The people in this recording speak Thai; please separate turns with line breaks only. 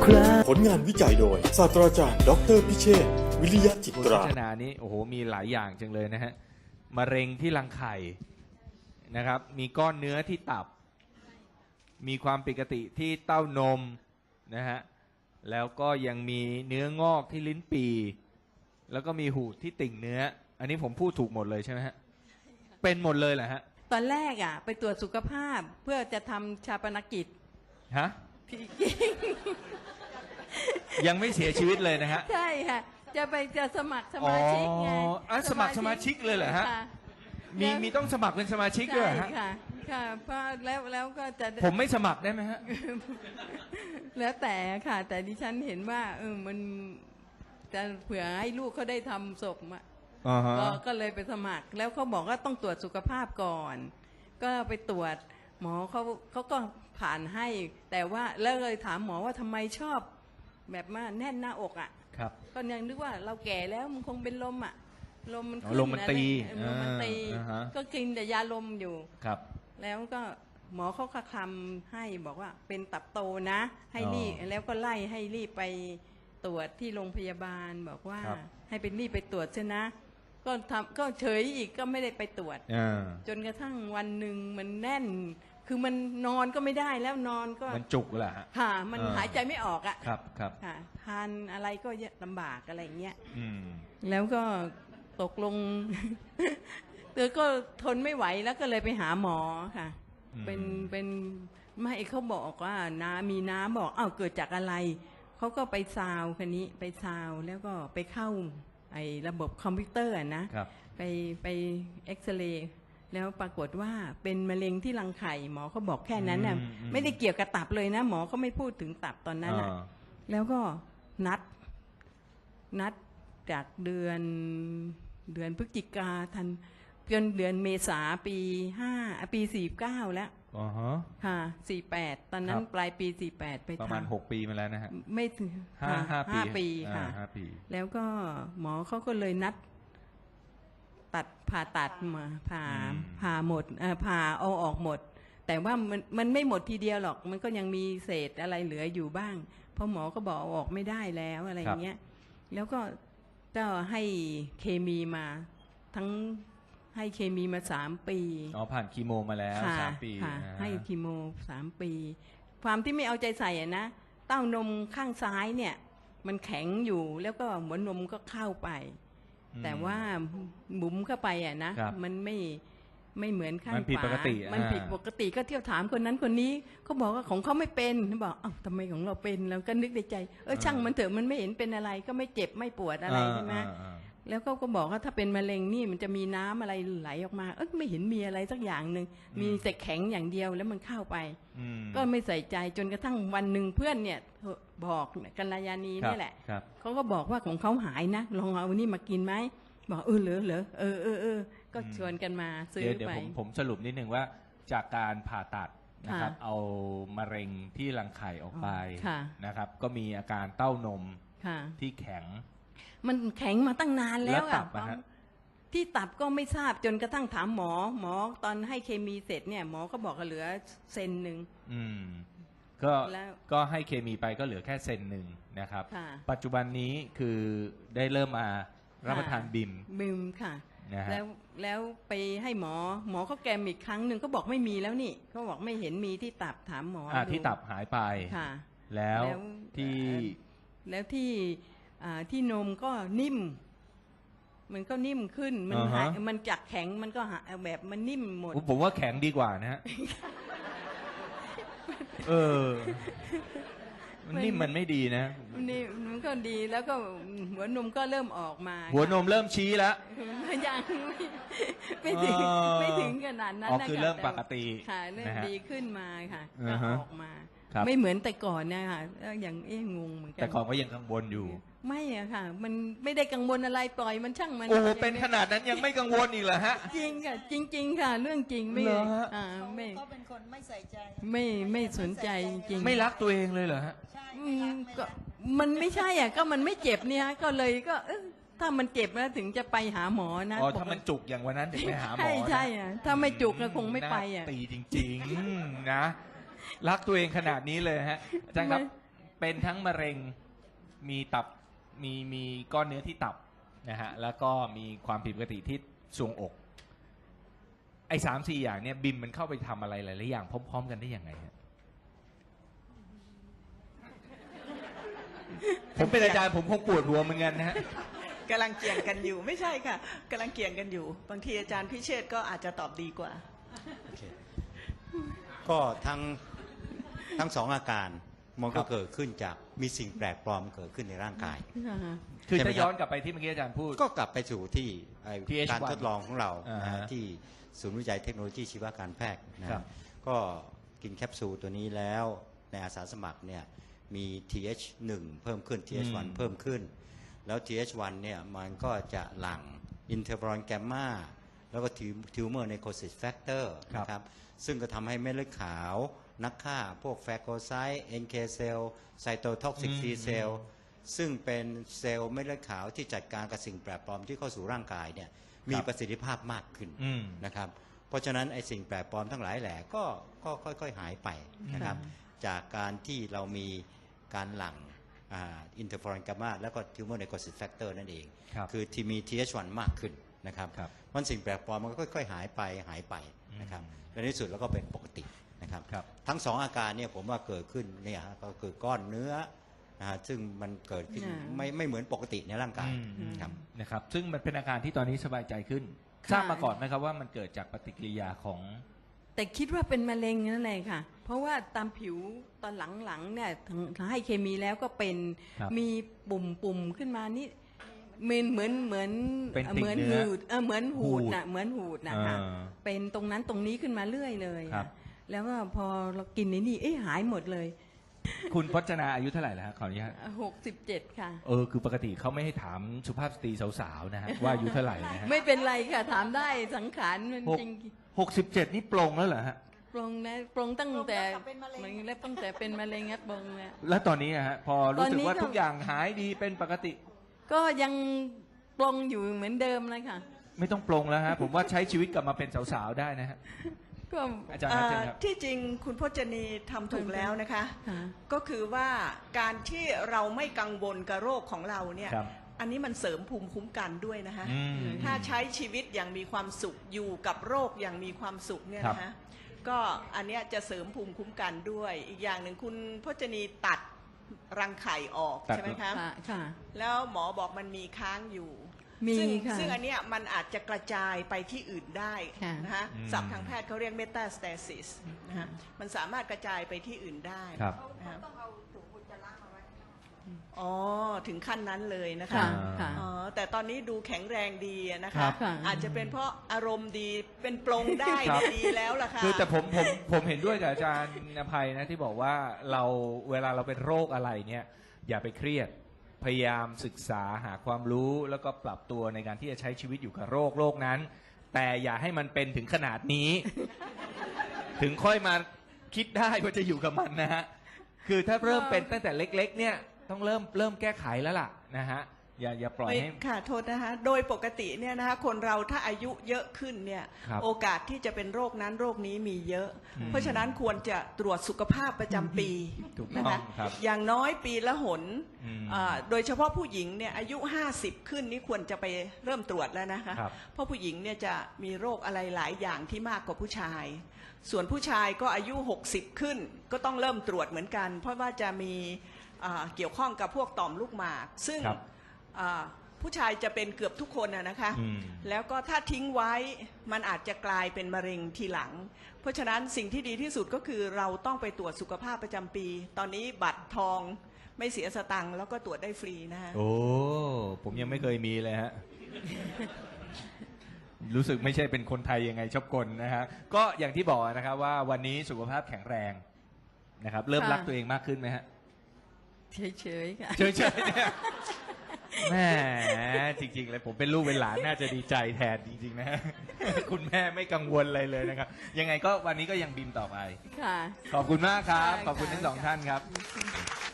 ครา
ผลงานวิจัยโดยศาสตราจารย์ดออเตอร์พิเชษฐ์วิริยะจิตรา
โฆษณานี้โอ้โหมีหลายอย่างจังเลยนะฮะมะเร็งที่รังไข่นะครับมีก้อนเนื้อที่ตับมีความผิดปกติที่เต้านมนะฮะแล้วก็ยังมีเนื้องอกที่ลิ้นปี่แล้วก็มีหูดที่ติ่งเนื้ออันนี้ผมพูดถูกหมดเลยใช่ไหมฮะเป็นหมดเลยเหรอฮะ
ตอนแรกไปตรวจสุขภาพเพื่อจะทำชาปนกิจ
ฮะ
จริง
ยังไม่เสียชีวิตเลยนะฮะ
ใช่ค่ะจะสมัครสมาชิกไง
สมัครสมาชิกเลยเหรอฮะ
ค่
มีต้องสมัครเป็นสมาชิกด้วยเหรอฮะ
ใช่ค่ะเพราะแล้วก็จะ
ผมไม่สมัครได้ไหมฮะ
แล้วแต่ค่ะ แต่ดิฉันเห็นว่ามันจะเผื่อให้ลูกเขาได้ทำศพก็เลยไปสมัคร แล้วเขาบอกว่าต้องตรวจสุขภาพก่อน ก็ไปตรวจหมอเขาก็ผ่านให้ แต่ว่าแล้วเลยถามหมอว่าทำไมชอบแบบว่าแน่นหน้าอก
ครับ
ก็ยังนึกว่าเราแก่แล้วมันคงเป็นลมลมมันขึ้น
ลมมันตี
ลมมันตี
ฮะ
ก็กินแต่ยาลมอยู่
ครับ
แล้วก็หมอเขาคำให้บอกว่าเป็นตับโตนะให้รีบแล้วก็ไล่ให้รีบไปตรวจที่โรงพยาบาลบอกว่า
ครับ
ให้เป็นรีบไปตรวจใช่นะก็เฉยอีกก็ไม่ได้ไปตรวจ จนกระทั่งวันหนึ่งมันแน่น คือมันนอนก็ไม่ได้แล้วนอนก็
มันจุกแหละฮะ
ค่ะมันหายใจไม่ออก
ครับครับ
ค่ะทานอะไรก็ลำบากอะไรอย่างเงี้ย
อืม
แล้วก็ตกลง เธอก็ทนไม่ไหวแล้วก็เลยไปหาหมอค่ะ เป็นไม่เขาบอกว่ามีน้ำบอกเกิดจากอะไรเขาก็ไปซาวคันนี้ไปซาวแล้วก็ไปเข้าไอ้ระบบคอมพิวเตอร์นะครับ ไปเอ็กซเรย์แล้วปรากฏว่าเป็นมะเร็งที่รังไข่หมอเขาบอกแค่นั้นน่ะไม่ได้เกี่ยวกับตับเลยนะหมอเขาไม่พูดถึงตับตอนนั้นน่ะแล้วก็นัดจากเดือนพฤศจิกาทันจนเดือนเมษาปี49แล้วค่ะ48ตอนนั้นปลายปี48ไปทำ
ประมาณ6 ปีมาแล้วนะฮะ
ไม่ถึง 5 ปีค่ะ
5 ปี
แล้วก็หมอเขาก็เลยนัดผ่าตัดมาผ่าหมดผ่าเอาออกหมด แต่ว่ามันไม่หมดทีเดียวหรอกมันก็ยังมีเศษอะไรเหลืออยู่บ้างเพราะหมอก็บอกเอาออกไม่ได้แล้วอะไรอย่างเงี้ยแล้วก็ให้เคมีมาทั้งให้เคมีมา3 ปี
ผ่านคีโมมาแล้ว3 ปี
ให้คีโม3 ปีความที่ไม่เอาใจใส่นะเต้านมข้างซ้ายเนี่ยมันแข็งอยู่แล้วก็หัวนมก็เข้าไปแต่ว่าบุ๋มเข้าไปนะมันไม่เหมือนข้างขวามันผิดปกติก็เที่ยวถามคนนั้นคนนี้เขาบอกว่าของเขาไม่เป็นบอกทำไมของเราเป็นเราก็นึกในใจช่างมันเถอะมันไม่เห็นเป็นอะไรก็ไม่เจ็บไม่ปวดอะไรใช่ไหมแล้วก็บอกว่าถ้าเป็นมะเร็งนี่มันจะมีน้ำอะไรไหลออกมาไม่เห็นมีอะไรสักอย่างหนึ่งมีแต่แข็งอย่างเดียวแล้วมันเข้าไปก็ไม่ใส่ใจจนกระทั่งวันหนึ่งเพื่อนเนี่ยบอกกัลยาณีนี่แหละเขาก็บอกว่าของเขาหายนะลองเอานี่มากินไหมบอกเหรอก็ชวนกันมาซื้อไป
เดี๋ยวผมสรุปนิดนึงว่าจากการผ่าตัดนะครับเอามะเร็งที่รังไข่ออกไปนะครับก็มีอาการเต้านมที่แข็ง
มันแข็งมาตั้งนานแล้วที่ตับก็ไม่ทราบจนกระทั่งถามหมอตอนให้เคมีเสร็จเนี่ยหมอก็บอกเหลือเซนหนึ่ง
ก็ให้เคมีไปก็เหลือแค่เซนหนึ่งนะครับปัจจุบันนี้คือได้เริ่มมารับประทานบิม
ค่ะแล้วไปให้หมอเขาแกมอีกครั้งหนึ่งก็บอกไม่มีแล้วนี่เขาบอกไม่เห็นมีที่ตับถามหมอ
ที่ตับหายไปแล้ว
ที่นมก็นิ่มมันก็นิ่มขึ้นมันจากแข็งมันก็แบบมันนิ่มหมด
ผมว่าแข็งดีกว่านะฮะมันนิ่มมันไม่ดีนะ
นี่มันก็ดีแล้วก็หัวนมก็เริ่มออกมา
หัวนมเริ่มชี้แล้ว
ยังไม่ถึงขนาดนั้นนะ
คือเริ่มปกติ
ค่ะเริ่มดีขึ้นมาค่ะก็ออกมาไม่เหมือนแต่ก่อนนะคะอย่างงงเหมือนกัน
แต่ก่อนก็ยังกังวลอยู่
ไม่อะค่ะมันไม่ได้กังวลอะไรปล่อยมันช่างมัน
เป็นขนาดนั้นยังไม่กังวลอีกเหรอฮะ
จริงค่ะจริงๆค่ะเรื่องจริงไม่
ไม่ก็เป็นคนไม่ใส่ใจ
ไม่สนใจจริง
ไม่รักตัวเองเลยเหรอฮะ
ก็มันไม่ใช่อ่ะก็มันไม่เจ็บเนี่ยก็เลยก็ถ้ามันเจ็บแล้วถึงจะไปหาหมอนะ
ถ้ามันจุกอย่างวันนั้นถึงไปหาหมอ
ใช่อ่ะถ้าไม่จุกก็คงไม่ไปอ่ะ
ตีจริงๆนะรักตัวเองขนาดนี้เลยฮะอาจารย์ครับเป็นทั้งมะเร็งมีตับมีก้อนเนื้อที่ตับนะฮะแล้วก็มีความผิดปกติที่ทรวงอกไอ้3-4อย่างเนี่ยบิมมันเข้าไปทำอะไรหลายๆอย่างพร้อมๆกันได้ยังไงฮะผมเป็นอาจารย์ผมคงปวดหัวเหมือนกันนะฮะ
กำลังเกี่ยงกันอยู่ไม่ใช่ค่ะกำลังเกี่ยงกันอยู่ บางทีอาจารย์พิเชษฐ์ก็อาจจะตอบดีกว่า
โอเคก็ทั้งสองอาการมันก็เกิดขึ้นจากมีสิ่งแปลกปลอมเกิดขึ้นในร่างกาย
คือ
ใช่ไหม
ถ้าย้อนกลับไปที่เมื่อกี้อาจารย์พูด
ก็กลับไปสู่ที่ไอ้
TH1
การทดลองของเรา
อ่า
นะ
ฮะ
ฮะที่ศูนย์วิจัยเทคโนโลยีชีวการแพทย์นะฮะ
ครับ
ก็กินแคปซูลตัวนี้แล้วในอาสาสมัครเนี่ยมี TH1 เพิ่มขึ้น TH1 เพิ่มขึ้น แล้ว TH1 เนี่ยมันก็จะหลั่งอินเทอร์ฟอรอนแกมมาแล้วก็ทิวเมอร์ไนโคซิสแฟกเตอร์นะครับซึ่งก็ทำให้เม็ดเลือดขาวนักฆ่าพวกแฟโกไซต์ NK เซลล์ไซโตท็อกซิก T เซลล์ซึ่งเป็นเซลล์เม็ดเลือดขาวที่จัดการกับสิ่งแปลกปลอมที่เข้าสู่ร่างกายเนี่ยมีประสิทธิภาพมากขึ้น
อืม
นะครับเพราะฉะนั้นไอ้สิ่งแปลกปลอมทั้งหลายแหล่ก็ค่อยๆหายไปนะครับจากการที่เรามีการหลั่งอินเทอร์ฟอรอนกามาแล้วก็ทิวเมอร์ไนโคซิสแฟกเตอร์นั่นเอง
ครับ
คือที่มี TH1 มากขึ้นนะครับ
ครับ
มันสิ่งแปลกปลอมมันก็ค่อยๆหายไปนะครับและในที่สุดแล้วก็เป็นปกตินะครับ
ครับ
ทั้งสองอาการเนี่ยผมว่าเกิดขึ้นเนี่ยฮะก็คือก้อนเนื้อนะฮะซึ่งมันเกิดขึ้น
อ่า
ไม่เหมือนปกติในร่างกายครับ
นะครับซึ่งมันเป็นอาการที่ตอนนี้สบายใจขึ้น
ค่ะ
ทราบมาก่อนไหมครับว่ามันเกิดจากปฏิกิริยาของ
แต่คิดว่าเป็นมะเร็งนั่นแหละค่ะ เพราะว่าตามผิวตอนหลังๆเนี่ยถึงให้เคมีแล้วก็เป็น
ครับ
มีปุ่มขึ้นมานี่เหมือน
เป็นติ่ง
เหมือน
เนื้อ
หูดเหมือนหูด
หูด
น่ะเหมือนหูดนะคะ
อ่า
เป็นตรงนั้นตรงนี้ขึ้นมาเรื่อยเลย
ครับ
แล้วก็พอเรากินนี่หายหมดเลย
คุณพจนาอายุเท่าไหร่แล้วฮะขออนุญาต
67 ค่ะ
คือปกติเขาไม่ให้ถามสุภาพสตรีสาวๆนะฮะว่าอายุเท่าไหร่นะฮะ
ไม่เป็นไรค่ะ ถามได้สังขารมัน
หก
จริง
67 นี่ปลงแล้วเหรอฮะ
ปรงนะปรงตั้งแต่
ปรงตั้งแต่เป็นมะเร็ง
มันแล้วตั้งแต่เป็นมะเร็งงัดปรงเนี่ย
แล้วตอนนี้อะฮะพอรู้สึกว่า
ตอนนี้ก็
ทุกอย่างหายดีเป็นปกติ
ก็ยังปรงอยู่เหมือนเดิมเลยค่ะ
ไม่ต้องปลงแล้วฮะผมว่าใช้ชีวิตกลับมาเป็นสาวๆได้นะฮะ
ก็
อาจารย์ครับเชิญครับ
ที่จริงคุณพจนีทำถูกแล้วนะคะ
ค่ะ
ก็คือว่าการที่เราไม่กังวลกับโรคของเราเนี่ย
ครับ
อันนี้มันเสริมภูมิคุ้มกันด้วยนะคะ
อืม
ถ้าใช้ชีวิตอย่างมีความสุขอยู่กับโรคอย่างมีความสุขเนี่ย
ครับ
นะคะก็อันเนี้ยจะเสริมภูมิคุ้มกันด้วย อีกอย่างหนึ่งคุณพจนีตัดรังไข่ออก
ตัด
ใช่ไหมคะ
ค่ะ
แล้วหมอบอกมันมีค้างอยู่
มี
ซึ่ง
ค่ะ
ซึ่งอันเนี้ยมันอาจจะกระจายไปที่อื่นได้
ค่ะ
นะคะ
อืม
ศัพท์ทางแพทย์เขาเรียกเมตาสเตซิสนะคะมันสามารถกระจายไปที่อื่นได้
ครับ
นะคะอ๋อถึงขั้นนั้นเลยนะคะ
ค่ะค่ะ
อ๋อแต่ตอนนี้ดูแข็งแรงดีอะนะ
ครั
คะ
บ
ค่ะ
อาจจะเป็นเพราะอารมณ์ดีเป็นปลงได้
ครับ
ดีแล้วล่ะค่ะ
คือแต่ผมเห็นด้วยกับอาจารย์นภัยนะที่บอกว่าเวลาเราเป็นโรคอะไรเนี่ยอย่าไปเครียดพยายามศึกษาหาความรู้แล้วก็ปรับตัวในการที่จะใช้ชีวิตอยู่กับโรคนั้น แต่อย่าให้มันเป็นถึงขนาดนี้ ถึงค่อยมาคิดได้ว่าจะอยู่กับมันนะฮะคือถ้าเริ่มเป็นตั้งแต่เล็กๆเนี่ยต้องเริ่มแก้ไขแล้วล่ะนะฮะอย่าปล่อยให้
ค่ะโทษนะคะโดยปกติเนี่ยนะคะคนเราถ้าอายุเยอะขึ้นเนี่ย
ครับ
โอกาสที่จะเป็นโรคนั้นโรคนี้มีเยอะ
อืม
เพราะฉะนั้นควรจะตรวจสุขภาพประจำปี
ถูกต้อง
นะคะ
ครับ
อย่างน้อยปีละหน
อืม
โดยเฉพาะผู้หญิงเนี่ยอายุ 50 ขึ้นนี่ควรจะไปเริ่มตรวจแล้วนะคะ
ครับ
เพราะผู้หญิงเนี่ยจะมีโรคอะไรหลายอย่างที่มากกว่าผู้ชาย ส่วนผู้ชายก็อายุ 60 ขึ้น ก็ต้องเริ่มตรวจเหมือนกัน เพราะว่าจะมีเกี่ยวข้องกับพวกต่อมลูกหมาก ซึ่ง
ครับ
ผู้ชายจะเป็นเกือบทุกคนนะคะ
อืม
แล้วก็ถ้าทิ้งไว้มันอาจจะกลายเป็นมะเร็งทีหลัง เพราะฉะนั้นสิ่งที่ดีที่สุดก็คือเราต้องไปตรวจสุขภาพประจำปี ตอนนี้บัตรทองไม่เสียสตังค์แล้วก็ตรวจได้ฟรีนะคะ
โอ้ผมยังไม่เคยมีเลยฮะ รู้สึกไม่ใช่เป็นคนไทยยังไงชอบกลนะฮะก็อย่างที่บอกนะครับว่าวันนี้สุขภาพแข็งแรงนะครับ เริ่ม
ค่ะ
รักตัวเองมากขึ้นไหมฮะ
เฉยๆค่ะ
เฉยๆเนี่ยแหม่จริงๆเลยผมเป็นลูกเป็นหลานน่าจะดีใจแทนจริงๆนะฮะ คุณแม่ไม่กังวลอะไรเลยนะครับ ยังไงก็วันนี้ก็ยังบิมต่อไป
ค่ะ
ขอบคุณมากครับ
ค่ะ
ขอบคุณทั้งสองท่านครับ